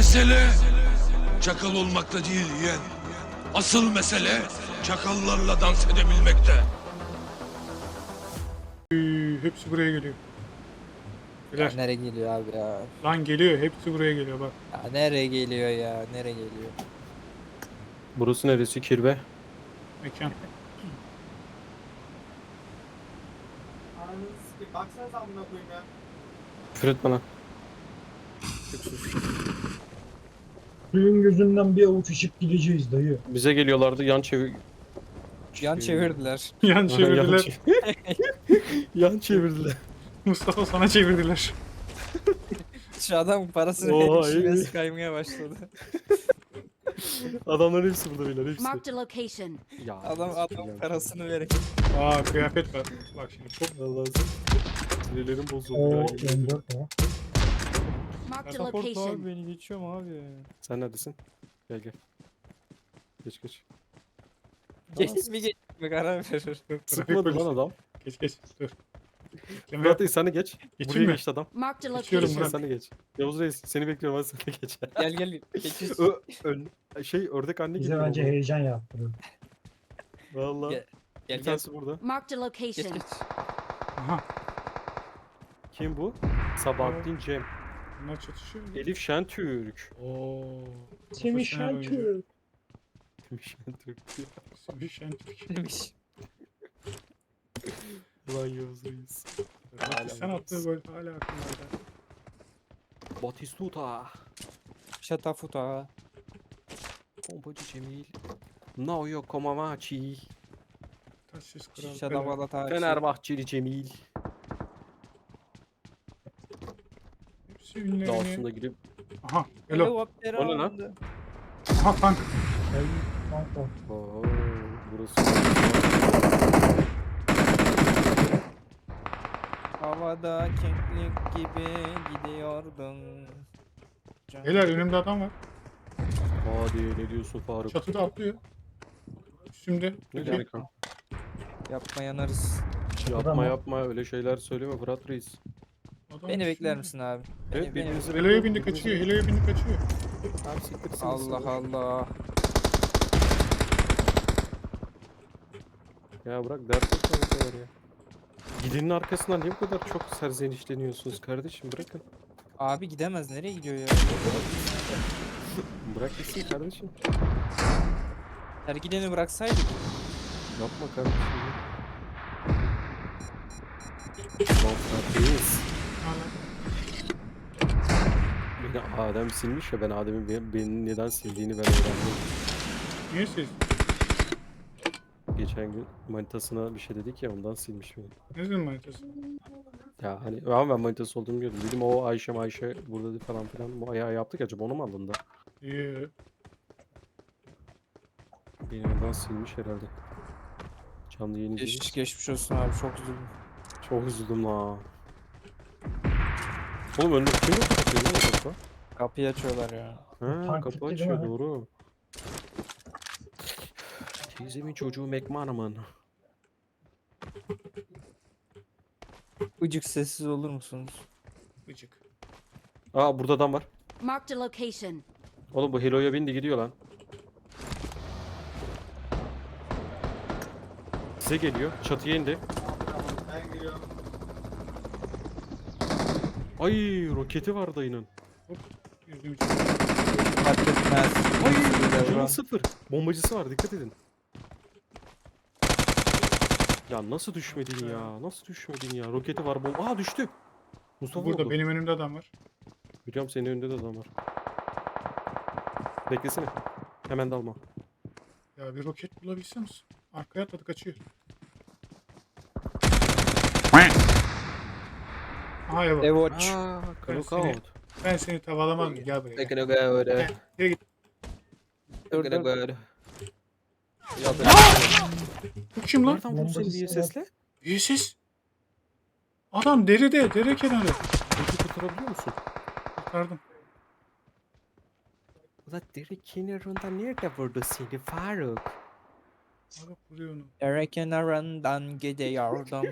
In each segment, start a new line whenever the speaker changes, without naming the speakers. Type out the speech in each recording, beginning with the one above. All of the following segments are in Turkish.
Mesele çakal olmakta değil yeğen. Asıl mesele çakallarla dans edebilmekte.
Hepsi buraya geliyor.
Ya
Beyler,
nereye geliyor abi ya?
lan geliyor, hepsi buraya geliyor bak.
Ya nereye geliyor ya? Nereye geliyor?
Burası neresi? Kirve.
Mekan.
Baksanıza amına koyayım ya.
Küfür etme lan.
Suyun gözünden bir avuç ışık gideceğiz dayı.
Bize geliyorlardı yan çevir...
Yan çevirdiler.
Yan çevirdiler.
Yan çevirdiler.
Mustafa sana çevirdiler.
Şu adam parasını
Oha,
verip şivesi
iyi.
kaymaya başladı.
Adamların hepsi burada beyler hepsi.
Marked a location.
Ya,
Adam parasını verip.
Aa kıyafet var. Bak şimdi çok
Allah'ım. Sinirlerim bozuldu.
O
ya.
M4 o.
Marked a
Pasaport abi
location.
beni geçiyorum abi.
Sen neredesin? Gel gel. Geç geç.
Geç mi geç mi karar verir.
trafik
Sıkmadı
polisi.
lan adam.
Geç dur. Emre,
Murat Reis sen de geç.
Geçeyim
Buraya
mi?
geçti adam.
Marked a
Geçiyorum
location.
Murat.
Sen de geç. Yavuz Reis seni bekliyorum hadi sen de geç.
Gel geçiş.
Ördek anne
Bize
gibi.
bence heyecan yaptırıyor.
Valla.
Gel,
Bir
Gel.
tanesi burada.
Marked a
Geç
location.
geç.
Aha.
Kim bu? Sabahattin Cem.
Bunlar çatışıyor.
Elif Şentürk.
Oo.
Semih
profesyonel oyuncu.
Şentürk.
Şentürk.
Semih Şentürk.
Demiş.
Ulan Yavuz Reis.
Sen attığı gol hala aklımda.
Batistuta.
Şatafuta.
Pompacı Cemil. Naoyo Komamachi.
Taşsız kral.
Şadavala taşı.
Fenerbahçeli Cemil.
Hepsi ünlerini.
Dağısında gidip.
Aha. Hello.
Helikopter
O ne lan?
alındı.
Aha tank.
Ey, kanka.
Oo, burası.
Havada keklik gibi gidiyordun.
Beyler önümde adam var.
Hadi ne diyorsun Faruk?
Çatıda atlıyor. Üstümde.
Ne
Peki,
demek lan?
Yapma yanarız.
Yapma
mı?
yapma öyle şeyler söyleme Fırat Reis.
adam
Beni bekler
üstümde.
misin abi?
Evet
Beni-
birbirinizi
Helo'ya bindi kaçıyor. Helo'ya bindi kaçıyor.
Abi siktirsin.
Allah Allah.
Ya bırak dert etme bu kadar ya. Gidenin arkasından niye bu kadar çok serzenişleniyorsunuz kardeşim bırakın.
Abi gidemez. Nereye gidiyor ya?
Bırak gitsin kardeşim.
Her gideni bıraksaydık.
Yapma kardeşim. Lan Fırat Reis.
Hala.
Beni Adem silmiş ya ben Adem'in beni neden sildiğini ben öğrendim.
Niye siz?
Geçen gün manitasına bir şey dedik ya ondan silmiş beni.
Ne zaman manitası?
Ya hani ama ben manitası olduğunu biliyordum. Dedim o Ayşe burada falan filan. Bu ayağı yaptık acaba onu mu alındı?
İyi.
Beni ondan silmiş herhalde. Canlı yayın izlemiş.
Geçmiş olsun abi. Çok üzüldüm.
Çok üzüldüm la. Oğlum önde kim yok kapatıyor lan o kapı?
Kapıyı açıyorlar ya.
Ha
Tank
kapı
gitti değil
açıyor
mi?
doğru. Teyzemin çocuğu McManaman.
Icık sessiz olur musunuz?
Gıcık.
Aa burada adam var.
Marked a location.
Oğlum bu Helo'ya bindi gidiyor lan. Size geliyor. Çatıya indi.
Ben geliyorum.
Ay roketi var dayının.
Yüzüm için.
Fark etmez.
Ay
Devran.
canı sıfır. Bombacısı var dikkat edin. Ya nasıl düşmedin ya? Nasıl düşmedin ya? Roketi var bomba. Aa düştü. Mustafa
Burada
vurdu.
benim önümde adam var.
Biliyorum senin önünde de adam var. Beklesene. Hemen dalma.
Ya bir roket bulabilseniz. Arkaya atladı kaçıyor. Aha ya bak.
Evoç.
Aaa
seni-
knockout.
Ben seni tavalamam mı? Gel buraya. Gel.
Dur
Dur,
dur.
dur.
Bu kim lan?
Nereden vurdu seni diye sesle?
Üyesiz. Adam deride. Dere kenarı.
Peki kurtarabiliyor musun?
Kurtardım.
Ulan deri kenarında nerede vurdu seni Faruk?
Bak vuruyor onu.
Dere kenarından gidiyordum.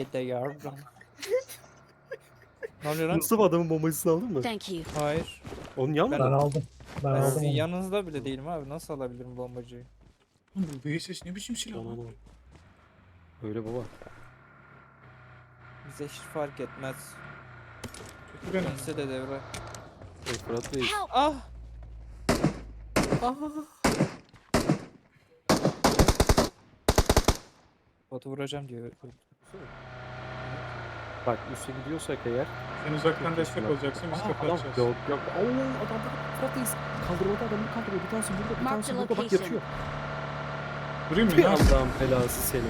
Gidiyordum. Ne oluyor lan?
Mustafa adamın bombacısını aldın mı?
Thank you.
Hayır.
Onun yan
Ben
mı?
aldım. Ben
Ben
aldım
sizin
onu.
yanınızda bile değilim abi. Nasıl alabilirim bombacıyı?
Oğlum bu VSS ne biçim silah lan?
Onu. Öyle baba.
Bize hiç fark etmez.
Kötü ben.
Dönse de devre.
Fırat Reis.
Help!
Ah! Botu vuracağım diyor.
Bak üste gidiyorsak eğer.
Sen uzaktan destek
Bak.
olacaksın biz
Aa,
kafa
adam
atacağız.
yok yok. Oo adam Fırat Reis. Kaldırmada adamı kaldırıyor. Bir tanesi burada, bir
Mark
tanesi
the
burada bak
location.
yatıyor.
Durayım mı?
Bir
Ne yapayım?
Allah'ın belası seni.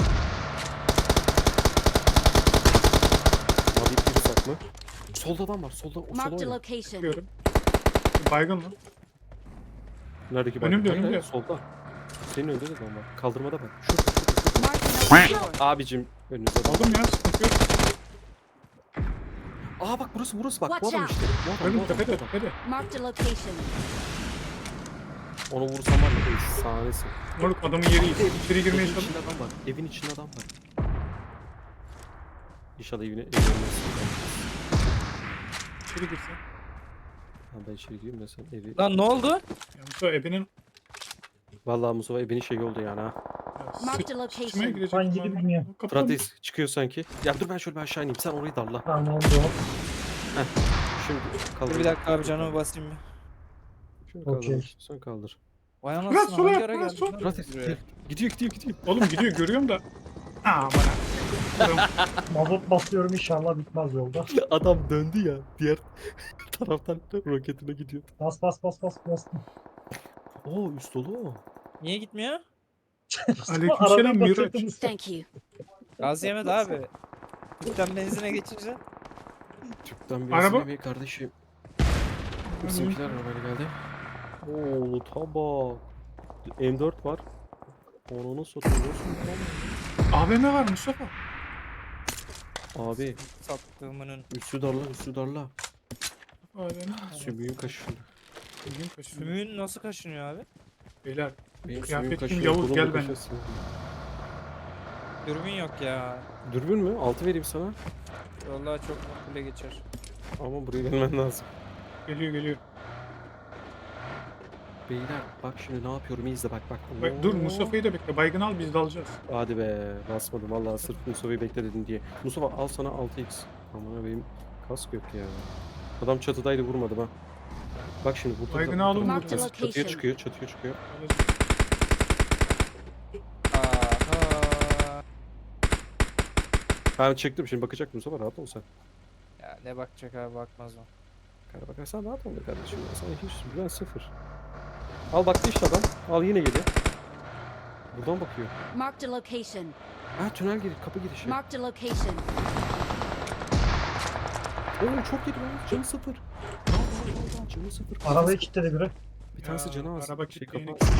Abi biri saklı. Solda adam var. Solda o sola
Marked a
oyna.
location.
Çıkıyorum. Baygın lan.
Neredeki bak?
Önümde,
Hayır,
önümde.
hayır, solda. Senin önünde de adam var. Kaldırmada bak. Şurada.
Marked a location.
Abicim önünüzde adam.
Aldım ya sıkıntı yok.
Aa bak burası bak. Bu
Watch
adam
out.
işte. Bu adam,
Önüm
bu adam,
tepede
bu adam.
tepede.
Marked a location.
Onu vursam var ya efsanesi.
Moruk adamın yeri iyi. İçeri girmeye
Evin
çalış.
içinde adam var. Evin içinde adam var. İnşallah evine
İçeri girsin.
Ha ben içeri gireyim de sen evi.
Lan ne oldu?
Ya Mustafa ebenin
Vallahi Mustafa evinin şey oldu yani ha.
Marked a location.
sıçmaya girecek.
Ben gidip bilmiyorum.
Fırat Reis çıkıyor sanki. Ya dur ben şöyle bir aşağı ineyim. Sen orayı darla.
Tamam oldu.
Şimdi kaldır.
Dur bir dakika abi canımı basayım bir.
Şunu kaldır.
Okey.
Sen kaldır.
Vay
Fırat,
anasını
sola
hangi
yap,
ara
Fırat,
geldin
sola.
lan
Fırat Reis
buraya?
gidiyor.
Oğlum gidiyor görüyorum da. Aa bana. Adam
Mazot basıyorum inşallah bitmez yolda.
Adam döndü ya. Diğer taraftan roketine gidiyor.
Bas bas bas bas bastım.
Oo üst dolu o.
Niye gitmiyor?
Aleykümselam
Arabayı
Miraç.
batırdım usta.
Thank you.
Gaz yemedi abi. Tüpten benzine geçince.
Tüpten bir
Araba-
bir kardeşim. Bizimkiler arabayla geldi. Oo tabak. M4 var. Onu nasıl atıyorsun?
AVM var Mustafa.
Abi
Sattığımının.
üstü darla.
AVM.
Sümüğün kaşındı.
Bugün kaçıyor.
Sümüğün nasıl kaşınıyor abi?
Beyler
Benim
Kıyafet
sümüğüm
kim?
kaşınıyor.
Yavuz,
kolum
gel
da
benimle.
kaşınsın.
Dürbün yok ya.
Dürbün mü? 6 vereyim sana.
Vallahi çok makbule geçer.
Ama buraya gelmen lazım.
geliyor.
Beyler bak şimdi ne yapıyorum iyi izle bak.
Bak, dur
Oo.
Mustafa'yı da bekle. Baygın al biz dalacağız.
Hadi be basmadım vallahi sırf Mustafa'yı bekle dedin diye. Mustafa al sana 6x. Aman benim kask yok ya. Adam çatıdaydı vurmadım ha. Bak şimdi burada
Baygını alın,
Marked
çatıya
location.
çıkıyor çatıya çıkıyor.
Aha.
Ben çektim şimdi bakacak Mustafa rahat ol sen.
Ya ne bakacak abi bakmaz o.
Kara bakarsan rahat ol be kardeşim ya. Sana hiç güven sıfır. Al baktı işte adam. Al yine geliyor. Buradan bakıyor.
Marked a location.
Ha tünel gir kapı girişi.
Marked a location.
Oo çok yedi lan canı sıfır. Al, canı sıfır.
Arabayı kilitledi biri.
Bir tanesi
Ya,
canı az.
araba
Şey
kilitleyeni-
kapı.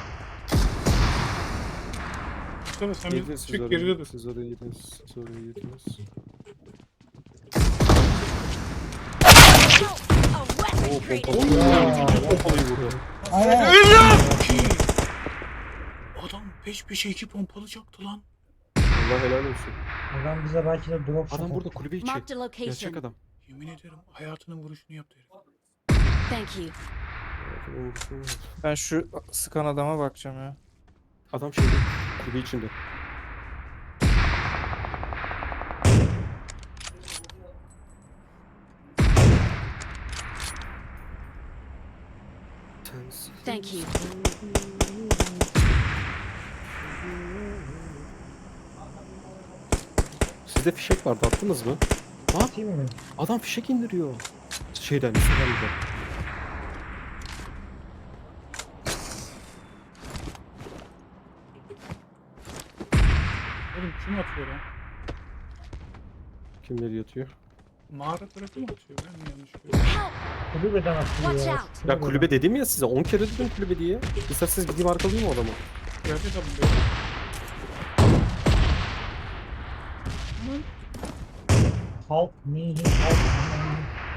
Mustafa sen
Yediniz
bir
siz
çık
orayı,
geride dur.
Siz orayı yediniz. Siz orayı yediniz.
A weapon
Oo
created.
pompalı. Pompalıyı vuruyor.
Adam peş peşe 2 pompalı çaktı lan.
Allah helal olsun.
Adam bize belki de drop shot
Adam burada
attı.
kulübe içi.
Marked a
Gerçek
location.
adam.
Yemin ederim hayatının vuruşunu yaptı herif.
Thank you.
Ben şu sıkan adama bakacağım ya.
Adam şeyde kulübe içinde.
Thank you.
Sizde fişek vardı attınız mı?
Atayım mı?
Adam fişek indiriyor. Şeyden, Instagram'dan.
Oğlum kim atıyor lan?
Kimleri yatıyor?
Mağara tarafı mı atıyor? Ben mi yanlış görüyorum?
Help!
Kulübeden atıyor
Watch
ya.
out.
Ya kulübe dedim ya size 10 kere dedim kulübe diye. İsterseniz gideyim arkalayayım o adamı.
Kıyafet alın beyler.
Help me, help me.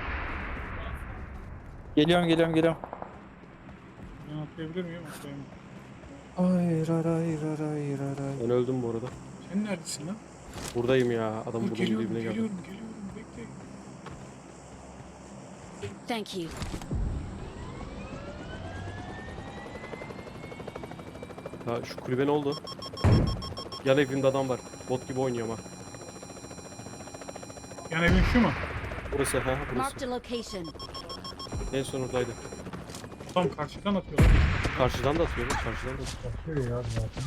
Geliyorum.
Ben atlayabilir miyim? Atlayayım.
Hayır hayır hayır hayır.
Ben öldüm bu arada.
Sen neredesin lan?
Buradayım ya. Adam
Dur,
bunun
geliyorum
dibine geldi.
geliyorum bekle.
Thank you.
Ya şu kulübe ne oldu? Yan evimde adam var. Bot gibi oynuyor ama.
Yan evin şu mu?
Burası ha burası.
Marked a location.
En son oradaydı.
Tam karşıdan atıyorlar.
Karşıdan da atıyor lan, karşıdan da atıyor.
Atıyor ya zaten.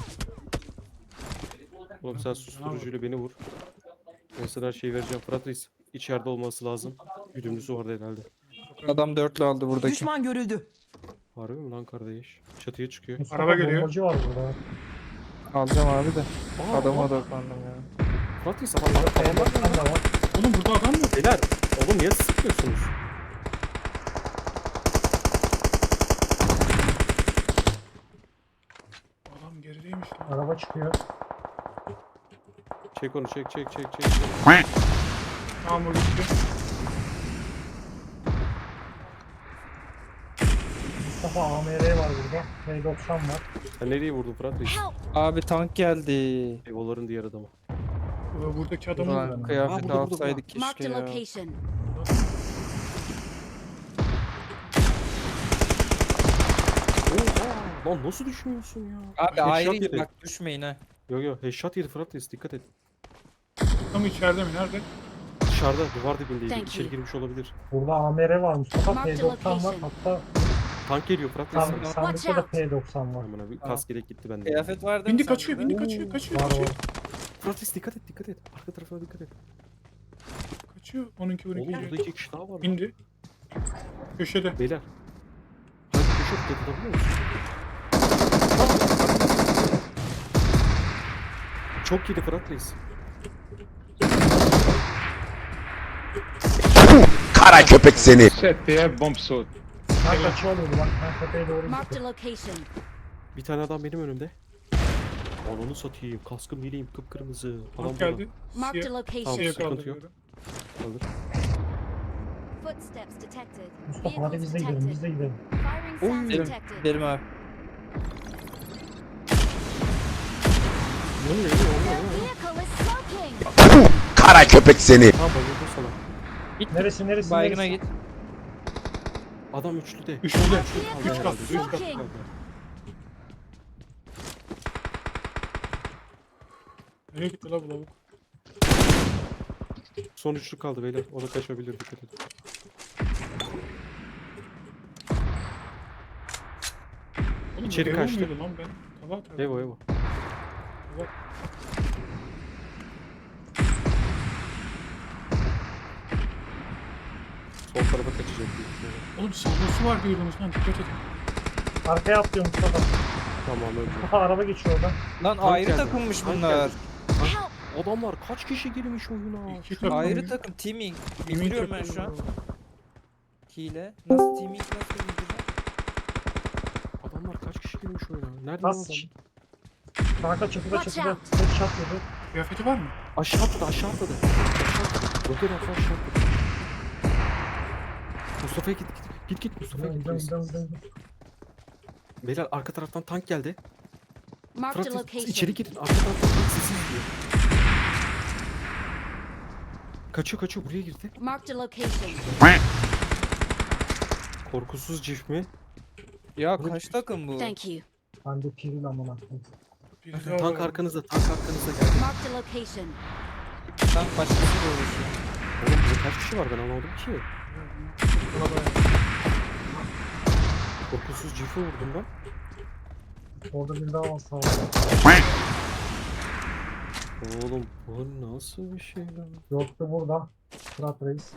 Oğlum sen susturucuyla beni vur. Ben sana her şeyi vereceğim. Fırat Reis içeride olması lazım. Güdümlüsü orada herhalde.
Adam dörtlü aldı buradaki.
Düşman görüldü.
Harbi mi lan kardeş? Çatıya çıkıyor.
Mustafa
Araba geliyor.
bombacı var burada.
Alacağım abi de.
Aa,
Adama
aa,
odaklandım ya.
Fırat Reis adamlar
P90 da var.
Oğlum burada adam mı?
Beyler oğlum niye sıkıyorsunuz?
Adam gerideymiş lan.
Araba çıkıyor.
Çek onu çek.
Tamam o gitti.
Mustafa AMR var burada. P90 var.
Sen nereye vurdun Fırat Reis?
Help!
Abi tank geldi.
Evoların diğer adamı.
Buradaki adamı
Ulan kıyafet
burada,
alsaydık
Marked
keşke
a
ya.
location.
Oha! Lan nasıl düşünüyorsun ya?
Abi
Headshot
ayrı
yedi.
bak düşmeyin ha.
Yo headshot yedi Fırat Reis dikkat et.
Tam içeride mi? Nerede?
Dışarıda duvar dibindeydi.
Thank
İçeri
you.
girmiş olabilir.
Burada AMR var Mustafa.
Marked
P90 var.
location.
Hatta
Tank geliyor Fırat Reis.
sandıkta da
out.
P90 var.
Aman abi kask gerek gitti bende.
Kıyafet var değil mi
Bindi
sende
kaçıyor,
de?
bindi kaçıyor, kaçıyor,
Var
kaçıyor.
var.
Fırat Reis dikkat et. Arka tarafına dikkat et.
Kaçıyor. 12
Oğlum
12
burada
geliyor.
2 kişi daha var. lan.
Bindi. Köşede.
Beyler. Hadi köşe tutabiliyor musun? Çok iyiydi Fırat Reis.
Kara köpek seni.
Ben kaçıyor bak. Ben tepeye doğru
Marked a
gidiyorum.
location.
Bir tane adam benim önümde. Ananı satayım. Kaskım yeleğim kıpkırmızı. Adam
Bak
burada.
geldi.
Marked a
Siyah,
location.
siyah
Sıkıntı
kaldırıyorum.
Alır.
Footsteps detected.
Mustafa hadi
Vehicles
biz de gidelim. Biz
detected.
de gidelim.
Firing sounds
Gidelim,
detected.
gidelim abi.
Ne oluyor?
Their vehicle is smoking.
Kara köpek seni.
Tamam bayıldı sana.
Git
Neresi neresi
baygına
neresi?
git.
Adam üçlüde.
Üçlüde.
Their
Üç
vehicle
kaldı.
is
Üç kaldı.
smoking.
Nereye gitti la bu lavuk?
Son üçlü kaldı beyler. O da kaçabilir dikkat edin.
Oğlum,
İçeri
Evo
kaçtı.
muydu lan ben? Tava atardım.
Evo. Sol tarafa kaçacak büyük ihtimalle.
Oğlum saldırısı var diyordunuz lan. Dikkat edin.
Arkaya atlıyor Mustafa.
Tamam öldü.
Mustafa araba geçiyor oradan.
Lan
Tank
ayrı
geldi.
takımmış
Tank
bunlar.
geldi. Adamlar kaç kişi girmiş oyuna?
İki takım.
Ayrı takım teaming.
Yemin
Bildiriyorum ben
takımı.
şu an. Hile. Nasıl teaming nasıl bildireceğim?
Adamlar kaç kişi girmiş oyuna? Nerede
Nasıl?
lan adam?
Kanka çatıda
Watch
çatıda.
out.
Headshot yedi.
Kıyafeti var mı?
Aşağı atladı. Aşağı atladı. Roket atla aşağı atladı. Mustafa'ya git. Mustafa'ya
Gidelim
git.
gidelim gidelim.
Beyler arka taraftan tank geldi.
Marked a
Fırat
location.
içeri girin. Arka taraftan tank sesi izliyor. Kaçıyor buraya girdi.
Marked a location.
Korkusuz cif mi?
Ya kaç takım bu?
Thank you.
Ben de piril amına koyayım.
Biri daha
Tank
var.
arkanızda geldi.
Marked a location.
Tank başkasıyla uğraşıyor.
Oğlum burada kaç kişi var ben anlamadım ki. Korkusuz cifi vurdum ben.
Orada bir daha var sağ ol.
Oğlum bu nasıl bir şey lan?
Yoktu burada. Fırat Reis.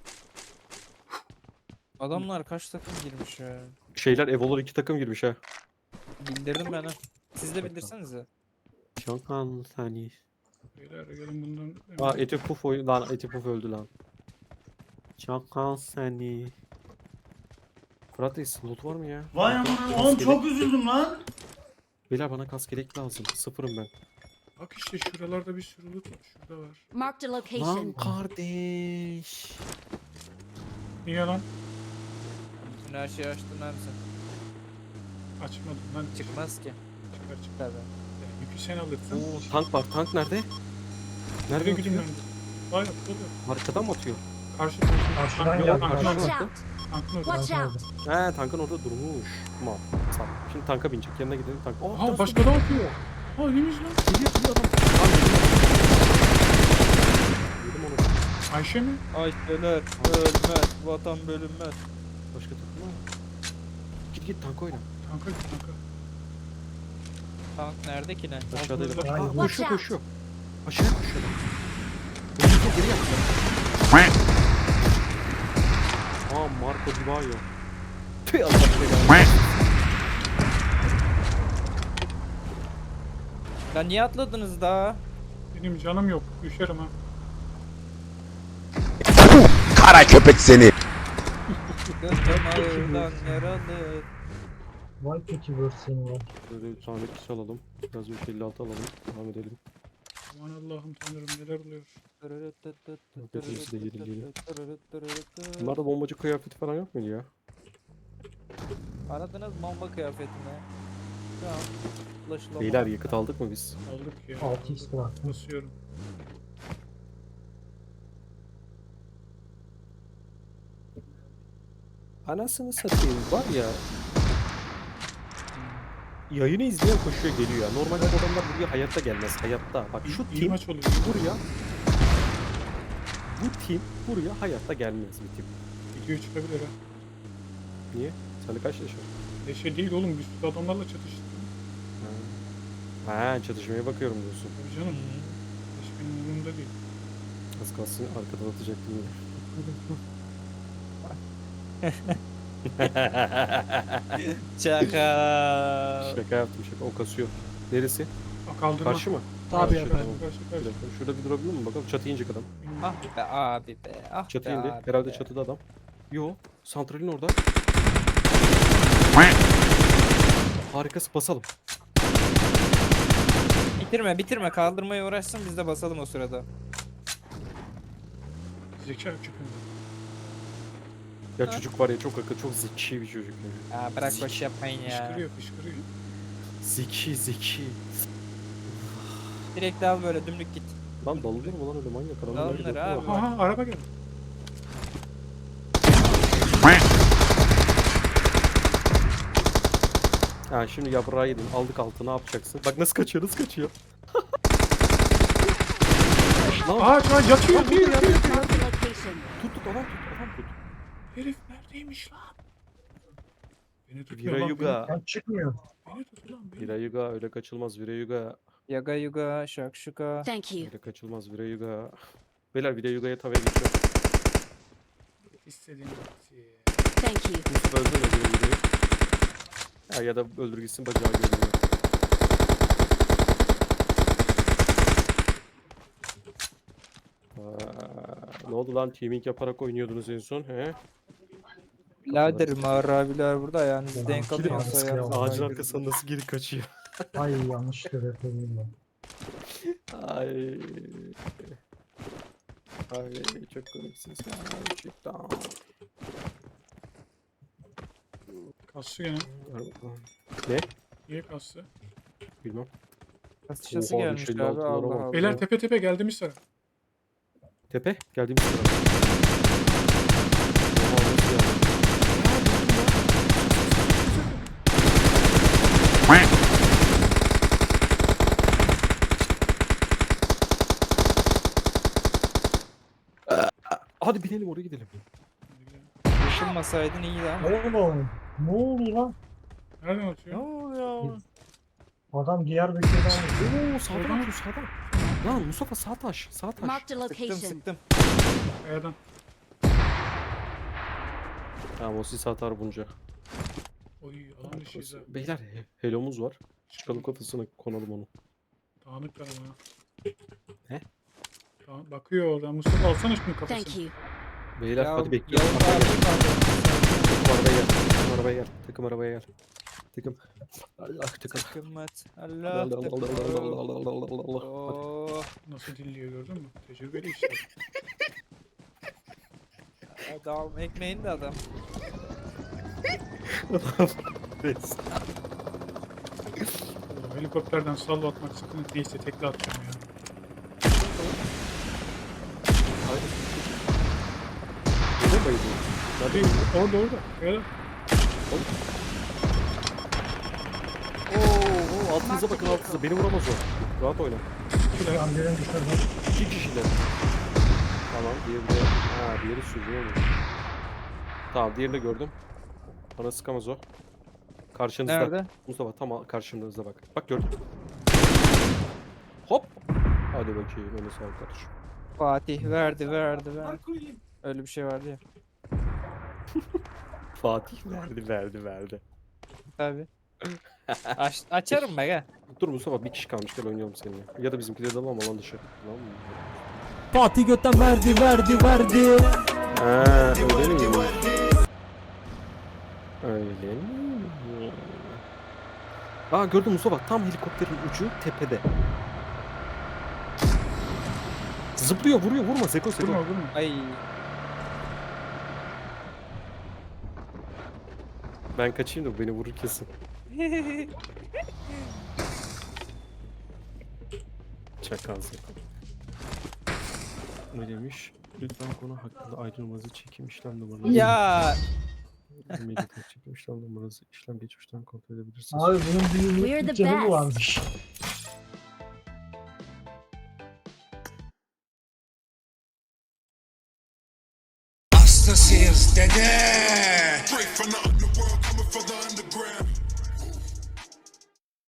Adamlar kaç takım girmiş ya.
Şeyler Evolar 2 takım girmiş ha.
Bildirdim ben ha. Siz de bildirsenize.
Çok an saniye.
Beyler gelin bundan.
Aa Eti Puf lan Eti Puf öldü lan. Çok an saniye. Fırat Reis loot var mı ya?
Vay aman oğlum çok üzüldüm lan.
Beyler bana kask gerek lazım. Sıfırım ben.
Bak işte şuralarda bir sürü loot var. Şurada var.
Marked a
Lan
location.
kardeş.
Niye lan?
Bütün her şeyi açtın abi sen.
Açmadım lan.
Çıkmaz ki.
Çıkar çıkar.
Tabii.
Ya, yükü sen alırsın.
Oo tank var. Tank nerede? Nerede
Nereye gideyim
atıyor?
ben? Vay burada.
Arkadan mı atıyor?
Karşı
Karşıdan
Yok,
geldi.
karşıdan.
Watch
Karşıdan.
out.
Tankın orada.
Watch out!
He tankın orada durmuş. Tamam. Tamam. Şimdi tanka binecek. Yanına gidelim tank.
Aa başka da atıyor. Ha neymiş lan?
Geliyor adam. Tamam, yedim onu.
Ayşe mi?
Ayşeler ölmez, vatan bölünmez.
Başka takım var mı? Git tank oyna.
Tanka git tanka.
Tank nerede ki ne?
Aşağıdaydı.
Altımızda.
Aa,
Watch
koşuyor
out.
koşuyor. Aşağıya koşuyor. Önce geri yaptı. Aa Marco Di Maio. Tüy Allah belanı.
Lan niye atladınız daha?
Benim canım yok. Düşerim ha.
Kara köpek seni.
Gözüm ağırdan yaralı.
Vay peki versiyonu var.
Böyle bir tane kişi alalım. Biraz 356 alalım. Devam edelim.
Aman Allah'ım tanrım neler oluyor.
Hepimiz de geri geliyor. Bunlarda bombacı kıyafeti falan yok muydu ya?
Aradınız bomba kıyafetini. Tamam. Ulaşılamadı.
Beyler yakıt aldık mı biz?
Aldık ya.
6x var.
Basıyorum.
Anasını satayım var ya. Yayını izleyen koşuyor geliyor ya. Normalde bu adamlar buraya hayatta gelmez. Hayatta. Bak şu
İyi
team
maç oluyor.
buraya. Bu team buraya hayatta gelmez bir team.
Video çıkabilir ha.
Niye? Sende kaç yaş var?
Şey değil oğlum bir sürü adamlarla çatıştık.
Ha çatışmaya bakıyorum diyorsun.
Tabii canım. Hiç benim umurumda değil.
Az kalsın arkadan atacaktım yine.
Çakal.
Şaka yaptım şaka. O kasıyor. Neresi?
Aa, kaldırma.
Karşı mı?
Tabii
Karşı,
efendim.
tamam.
Karşı
Bir
karşı.
dakika. Şurada bir durabilir mi bakalım? Çatıya inecek adam.
Ah be abi be. Ah
Çatı
be
indi.
abi
Herhalde
be.
çatıda adam. Yo. Santralin orada. Harikası basalım.
Bitirme kaldırmaya uğraşsın biz de basalım o sırada.
Zeka çıkıyor.
Ya çocuk var ya çok akıllı, çok zeki bir çocuk. Ya.
Ya bırak boş yapmayın ya.
Fışkırıyor fışkırıyor.
Zeki.
Direkt al böyle dümdük git.
Lan dalınır mı lan öyle manyak adamlar?
Dalınır
öyle
abi.
yapıyorlar.
Aha araba geldi.
Ha şimdi yaprağı yedin. Aldık altı ne yapacaksın? Bak nasıl kaçıyor Lan
Aa şu an yatıyor.
Marked a location.
tut adam tut.
Herif neredeymiş lan? Beni tutuyor
Vira
lan.
yuga.
Ben çıkmıyor.
Beni tutuyor lan. Beni.
Vira yuga öyle kaçılmaz Vira yuga.
Yaga yuga şakşuka.
Thank you.
Öyle kaçılmaz Vira yuga. Beyler Vira yuga'ya tavaya geçiyor.
İstediğin vakti.
Thank you.
Mustafa öldür Vira yuga'yı. Ya da öldür gitsin bacağı görünüyor. Ne oldu lan teaming yaparak oynuyordunuz en son he?
Birader Mağar abiler burada ayağınızı denk
Kilim
alıyorsa
alması
ayağınızı
ya.
Ağacın
kaydırın.
arkasından nasıl geri kaçıyor?
Ay yanlışlıkla yapıyorum ben.
Ay. Ay çok komiksiniz gerçekten.
Kastı gene.
Ne?
Niye kastı?
Bilmem.
Kasışası
Oha,
gelmiş
düşürdü
abi
altınlara
Allah
bak.
Allah.
Beyler tepe tepe geldim sıra.
Tepe geldiğimiz sıra. Oha nasıl yani? Hadi binelim oraya gidelim.
Yaşılmasaydın iyiydi ama.
Oğlum ne oluyor lan?
Nereden
Ne
atıyor?
oluyor?
Adam Diyarbakır'dan almış.
Oo sağdan atıyor sağdan. Lan Mustafa sağ taş sağ taş.
Marked a
Sıktım
location.
sıktım.
Kayadan.
Tamam o sis atar bunca.
Oy alan dışıyız ha.
Beyler helomuz var. Çıkalım kafasına konalım onu.
Dağınık var ama.
Ne?
Bakıyor oradan. Mustafa alsana şunu kafasını.
Thank you.
Beyler
Ya,
hadi bekliyorum.
Yavuz abi kaldı.
Takım arabaya gel. Takım arabaya gel. Takım arabaya gel. Takım. Allah takım.
Kımmet. Allah
Allah.
Oh.
Nasıl dinliyor gördün mü? Tecrübeli işte.
Adam ekmeğini de adam.
Oğlum, helikopterden salvo atmak sıkıntı. Neyse tekli atacağım ya.
Neden bayılıyorsun? Nerede?
Orada. Ya.
Oo, altınıza bakın altınıza. Beni vuramaz o. Rahat oyna.
Tamam birini düşürdüm.
2 kişiler. Tamam diğeri de. Ha diğeri sürüyor mu? Tamam diğerini de gördüm. Bana sıkamaz o. Karşınızda.
Nerede?
Mustafa tam karşınızda bak. Bak gördüm. Hop. Hadi bakayım. Öyle sağlık kardeşim.
Fatih verdi. Öyle bir şey vardı ya.
Fatih verdi.
Tabii. Açarım bak ha.
Dur Mustafa bir kişi kalmış gel oynayalım seninle. Ya da bizimkileri de alalım alan dışı. Tamam mı?
Fatih götten verdi.
Öyle mi? Öyle mi? Aa gördüm Mustafa tam helikopterin ucu tepede. Zıplıyor vuruyor vurma Seko.
Vurma.
Ay.
Ben kaçayım da bu beni vurur kesin. Çakal Seko. Ne demiş? Lütfen konu hakkında ayrılmanızı çekim işlem numaranızı.
Ya.
Medyatek çekim işlem numaranızı işlem geçmişten kontrol edebilirsiniz.
Abi bunun bir
We're
yıllık
the
bütçesi mi
best.
varmış?
Hastasıyız dede.